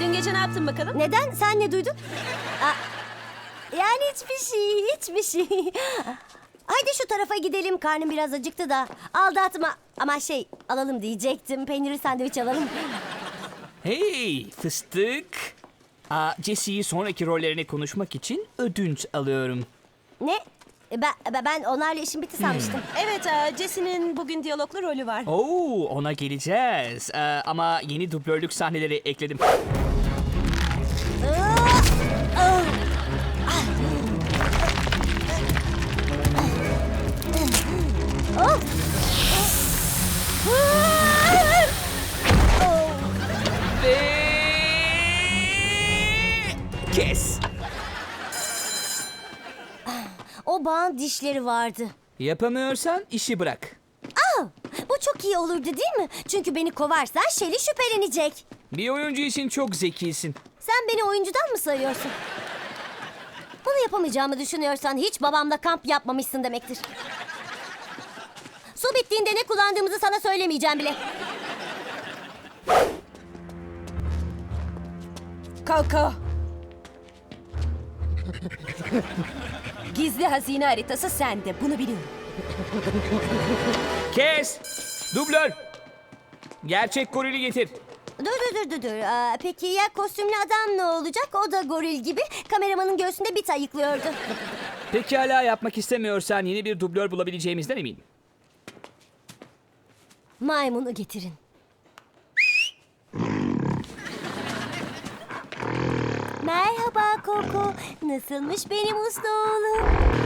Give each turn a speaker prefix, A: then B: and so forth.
A: Dün gece ne yaptın bakalım?
B: Neden? Sen ne duydun? Aa, yani hiçbir şey. Haydi şu tarafa gidelim. Karnım biraz acıktı da. Aldatma. Ama alalım diyecektim. Peynirli sandviç alalım.
C: Hey fıstık. Jesse'yi sonraki rollerini konuşmak için ödünç alıyorum.
B: Ne? Ben onlarla işim bitti sanmıştım.
A: Evet, Jesse'nin bugün diyaloglu rolü var.
C: Oo, ona geleceğiz. Ama yeni dublörlük sahneleri ekledim. Ve... Kes.
B: O bağın dişleri vardı.
C: Yapamıyorsan işi bırak.
B: Bu çok iyi olurdu değil mi? Çünkü beni kovarsan Shelly şüphelenecek.
C: Bir oyuncu için çok zekisin.
B: Sen beni oyuncudan mı sayıyorsun? Bunu yapamayacağımı düşünüyorsan hiç babamla kamp yapmamışsın demektir. Su bittiğinde ne kullandığımızı sana söylemeyeceğim bile.
A: Koko. Gizli hazine haritası sende. Bunu biliyorum.
C: Kes. Dublör. Gerçek gorili getir.
B: Dur. Peki ya kostümlü adam ne olacak? O da goril gibi kameramanın göğsünde bit ayıklıyordu.
C: Pekala yapmak istemiyorsan yeni bir dublör bulabileceğimizden eminim.
B: Maymunu getirin. Merhaba Koko. Nasılmış benim uslu oğlum?